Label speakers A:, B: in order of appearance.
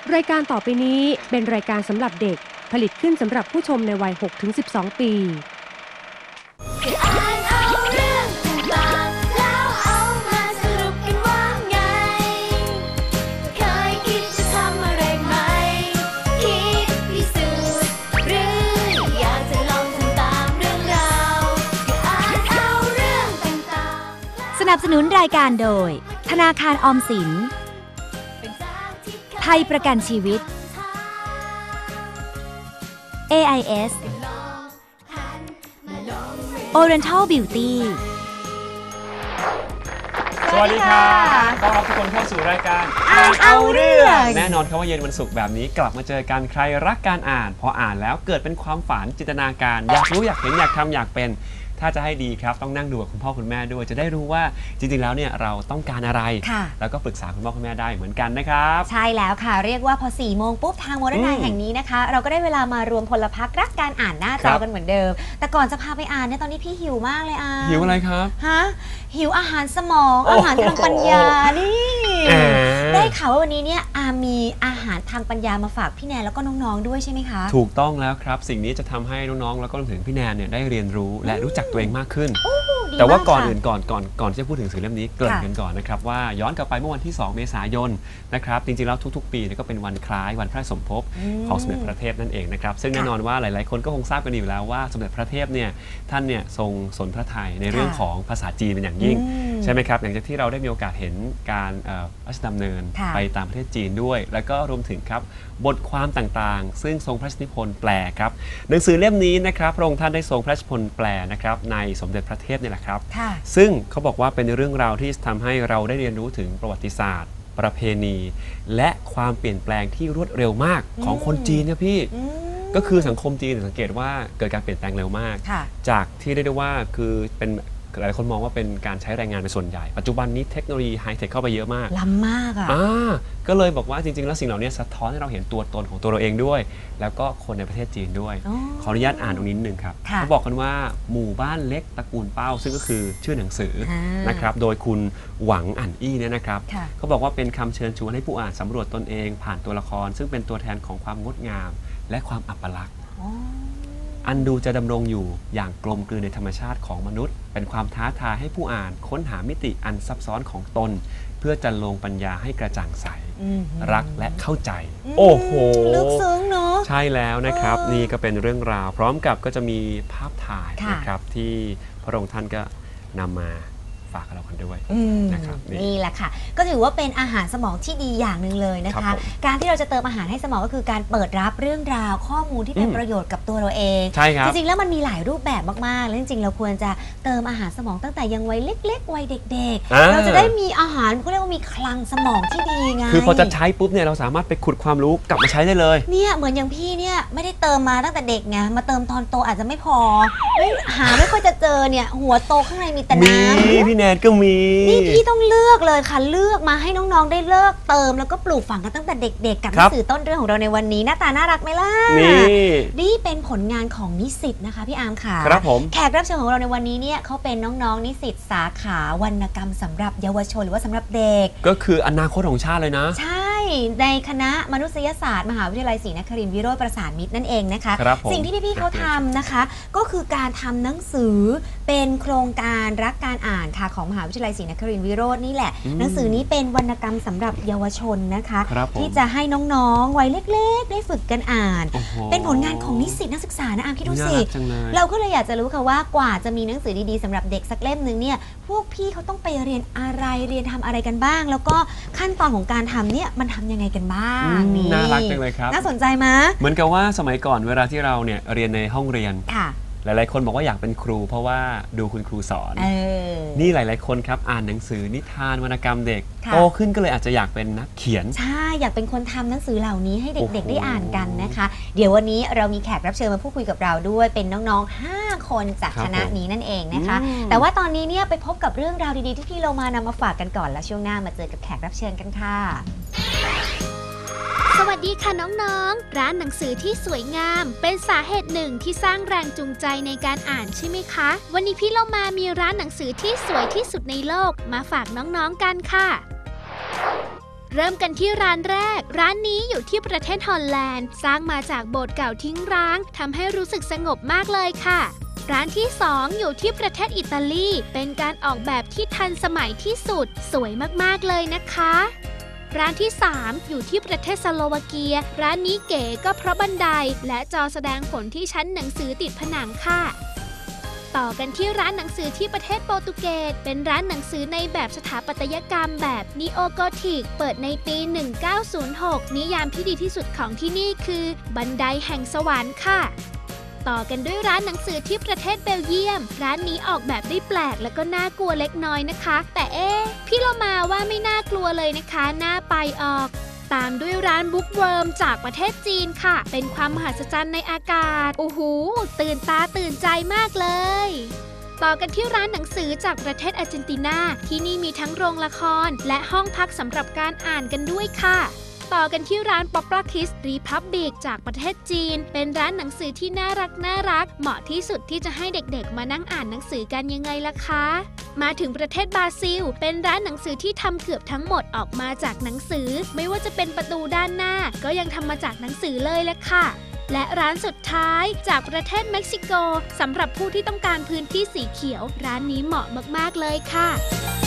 A: รายการต่อไปนี้เป็นรายการสำหรับเด็กผลิตขึ้นสำหรับผู้ชมในวัย 6-12 ปี
B: สนับสนุนรายการโดยธนาคารออมสินไทยประกันชีวิต AIS Oriental Beauty
C: สวัสดีครับต้อนรับทุกคนเข้าสู่รายการอ่านเอาเรื่องแน่นอนครับว่าเย็นวันศุกร์แบบนี้กลับมาเจอกันใครรักการอ่านพออ่านแล้วเกิดเป็นความฝันจินตนาการอยากรู้อยากเห็นอยากทำอยากเป็นถ้าจะให้ดีครับต้องนั่งดูกับคุณพ่อคุณแม่ด้วยจะได้รู้ว่าจริงๆแล้วเนี่ยเราต้องการอะไรแล้วก็ปรึกษาคุณพ่อคุณแม่ได้เหมือนกันนะครับ
B: ใช่แล้วค่ะเรียกว่าพอ4 โมงปุ๊บทางโมเดิร์นไนท์แห่งนี้นะคะเราก็ได้เวลามารวมพลพรรครักการอ่านหน้าจอกันเหมือนเดิมแต่ก่อนจะพาไปอ่านเนี่ยตอนนี้พี่หิวมากเลย
C: หิวอะไรครับ
B: หิวอาหารสมองอาหารทางปัญญานี่ได้ข่าวว่าวันนี้เนี่ยมีอาหารทางปัญญามาฝากพี่แนนแล้วก็น้องๆด้วยใช่ไหมคะ
C: ถูกต้องแล้วครับสิ่งนี้จะทำให้น้องๆแล้วก็รวมถึงพี่แนนเนี่ยได้เรียนรู้และรู้จักตัวเองมากขึ้นแต่ว่าก่อนอื่นก่อนที่จะพูดถึงสื่อเล่มนี้เกริ่นกันก่อนนะครับว่าย้อนกลับไปเมื่อวันที่2 เมษายนนะครับจริงๆแล้วทุกๆปีก็เป็นวันคล้ายวันพระสมภพของสมเด็จพระเทพนั่นเองนะครับซึ่งแน่นอนว่าหลายๆคนก็คงทราบกันอยู่แล้วว่าสมเด็จพระเทพเนี่ยท่านเนี่ยทรงสนพระทัยในเรื่องของภาษาจีนเป็นอย่างยิ่งใช่ไหมครับอย่างที่เราได้มีโอกาสเห็นการพระราชดำเนินไปตามประเทศจีนด้วยแล้วก็รวมถึงครับบทความต่างๆซึ่งทรงพระราชนิพนธ์แปลครับหนังสือเล่มนี้นะครับพระองค์ท่านได้ทรงพระราชนิพนธ์แปลนะครับในสมเด็จพระเทพนี่แหละครับซึ่งเขาบอกว่าเป็นเรื่องราวที่ทำให้เราได้เรียนรู้ถึงประวัติศาสตร์ประเพณีและความเปลี่ยนแปลงที่รวดเร็วมากของคนจีนนะพี่ก็คือสังคมจีนสังเกตว่าเกิดการเปลี่ยนแปลงเร็วมากจากที่เรียกได้ว่าคือเป็นหลายคนมองว่าเป็นการใช้แรงงานเป็นส่วนใหญ่ปัจจุบันนี้เทคโนโลยีไฮเทคเข้าไปเยอะมาก
B: ล้ำมาก
C: ก็เลยบอกว่าจริงๆแล้วสิ่งเหล่านี้สะท้อนให้เราเห็นตัวตนของตัวเราเองด้วยแล้วก็คนในประเทศจีนด้วยขออนุญาตอ่านตรงนี้นิดนึงครับเขาบอกกันว่าหมู่บ้านเล็กตระกูลเป้าซึ่งก็คือชื่อหนังสือนะครับโดยคุณหวังอั่นอี้เนี่ยนะครับเขาบอกว่าเป็นคำเชิญชวนให้ผู้อ่านสำรวจตนเองผ่านตัวละครซึ่งเป็นตัวแทนของความงดงามและความอัปลักษณ์อันดูจะดำรงอยู่อย่างกลมกลืนในธรรมชาติของมนุษย์เป็นความท้าทายให้ผู้อ่านค้นหามิติอันซับซ้อนของตนเพื่อจะลงปัญญาให้กระจ่างใสรักและเข้าใจโอ้โห
B: ลึกซึ้งเนาะ
C: ใช่แล้วนะครับนี่ก็เป็นเรื่องราวพร้อมกับก็จะมีภาพถ่ายนะครับที่พระองค์ท่านก็นำมาฝากเรากันด้วยนะครับ
B: นี่แหละค่ะก็ถือว่าเป็นอาหารสมองที่ดีอย่างหนึ่งเลยนะคะการที่เราจะเติมอาหารให้สมองก็คือการเปิดรับเรื่องราวข้อมูลที่เป็นประโยชน์กับตัวเราเอง
C: ใช่ครับ
B: จริงๆแล้วมันมีหลายรูปแบบมากๆแล้วจริงๆเราควรจะเติมอาหารสมองตั้งแต่ยังวัยเล็กๆวัยเด็กๆเราจะได้มีอาหารเขาเรียกว่ามีคลังสมองที่ดีไง
C: คือพอจะใช้ปุ๊บเนี่ยเราสามารถไปขุดความรู้กลับมาใช้ได้เลย
B: เนี่ยเหมือนอย่างพี่เนี่ยไม่ได้เติมมาตั้งแต่เด็กไงมาเติมตอนโตอาจจะไม่พอไม่ค่อยจะเจอเนี่ยหัวโตข้างในมีแต่น้
C: ำพี่แนนก็มี
B: นี่พี่ต้องเลือกเลยค่ะเลือกมาให้น้องๆได้เลิกเติมแล้วก็ปลูกฝังกันตั้งแต่เด็กๆกับหนังสือต้นเรื่องของเราในวันนี้หน้าตาน่ารักไหมล่ะนี่เป็นผลงานของนิสิตนะคะพี่อาร์มค่ะ
C: ครับผม
B: แขกรับเชิญของเราในวันนี้เนี่ยเขาเป็นน้องๆนิสิตสาขาวรรณกรรมสำหรับเยาวชนหรือว่าสำหรับเด็ก
C: ก็คืออนาคตของชาติเลยนะ
B: ใช่ในคณะมนุษยศาสตร์มหาวิทยาลัยศรีนครินทร์วิโรจน์ประสานมิตรนั่นเองนะคะสิ่งที่พี่ๆเขาทำนะคะก็คือการทำหนังสือเป็นโครงการรักการอ่านค่ะของมหาวิทยาลัยศรีนครินทร์วิโรจน์นี่แหละหนังสือนี้เป็นวรรณกรรมสำหรับเยาวชนนะคะที่จะให้น้องๆวัยเล็กๆได้ฝึกกันอ่านเป็นผลงานของนิสิตนักศึกษานะอาร์มคิดดูสิเราก็เลยอยากจะรู้ค่ะว่ากว่าจะมีหนังสือดีๆสำหรับเด็กสักเล่มนึงเนี่ยพวกพี่เขาต้องไปเรียนอะไรเรียนทำอะไรกันบ้างแล้วก็ขั้นตอนของการทำเนี่ยมันทำยังไงกันบ้าง
C: น่ารักจังเลยครับ
B: น่าสนใจไหม
C: เหมือนกับว่าสมัยก่อนเวลาที่เราเนี่ยเรียนในห้องเรียนหลายๆคนบอกว่าอยากเป็นครูเพราะว่าดูคุณครูสอนนี่หลายๆคนครับอ่านหนังสือนิทานวรรณกรรมเด็กโตขึ้นก็เลยอาจจะอยากเป็นนักเขียน
B: ใช่อยากเป็นคนทำหนังสือเหล่านี้ให้เด็กๆได้อ่านกันนะคะเดี๋ยววันนี้เรามีแขกรับเชิญมาพูดคุยกับเราด้วยเป็นน้องๆ5 คนจากคณะนี้นั่นเองนะคะแต่ว่าตอนนี้เนี่ยไปพบกับเรื่องราวดีๆที่พี่โลมานำมาฝากกันก่อนแล้วช่วงหน้ามาเจอกับแขกรับเชิญกันค่ะ
D: สวัสดีค่ะน้องๆร้านหนังสือที่สวยงามเป็นสาเหตุหนึ่งที่สร้างแรงจูงใจในการอ่านใช่ไหมคะวันนี้พี่โลมามีร้านหนังสือที่สวยที่สุดในโลกมาฝากน้องๆกันค่ะเริ่มกันที่ร้านแรกร้านนี้อยู่ที่ประเทศฮอลแลนด์สร้างมาจากโบสถ์เก่าทิ้งร้างทำให้รู้สึกสงบมากเลยค่ะร้านที่2อยู่ที่ประเทศอิตาลีเป็นการออกแบบที่ทันสมัยที่สุดสวยมากๆเลยนะคะร้านที่3อยู่ที่ประเทศสโลวาเกียร้านนี้เก๋ก็เพราะบันไดและจอแสดงผลที่ชั้นหนังสือติดผนังค่ะต่อกันที่ร้านหนังสือที่ประเทศโปรตุเกสเป็นร้านหนังสือในแบบสถาปัตยกรรมแบบนีโอโกธิกเปิดในปี 1906 นิยามที่ดีที่สุดของที่นี่คือบันไดแห่งสวรรค์ค่ะต่อกันด้วยร้านหนังสือที่ประเทศเบลเยียมร้านนี้ออกแบบได้แปลกและก็น่ากลัวเล็กน้อยนะคะแต่พี่เรามาว่าไม่น่ากลัวเลยนะคะน่าไปออกตามด้วยร้านบุ๊กเวิร์มจากประเทศจีนค่ะเป็นความมหัศจรรย์ในอากาศโอ้โหตื่นตาตื่นใจมากเลยต่อกันที่ร้านหนังสือจากประเทศอาร์เจนตินาที่นี่มีทั้งโรงละครและห้องพักสำหรับการอ่านกันด้วยค่ะต่อกันที่ร้าน Poplar Kids Republic จากประเทศจีนเป็นร้านหนังสือที่น่ารักเหมาะที่สุดที่จะให้เด็กๆมานั่งอ่านหนังสือกันยังไงล่ะคะมาถึงประเทศบราซิลเป็นร้านหนังสือที่ทำเกือบทั้งหมดออกมาจากหนังสือไม่ว่าจะเป็นประตูด้านหน้าก็ยังทำมาจากหนังสือเลยแหละค่ะและร้านสุดท้ายจากประเทศเม็กซิโกสำหรับผู้ที่ต้องการพื้นที่สีเขียวร้านนี้เหมาะมากๆเลยค่ะ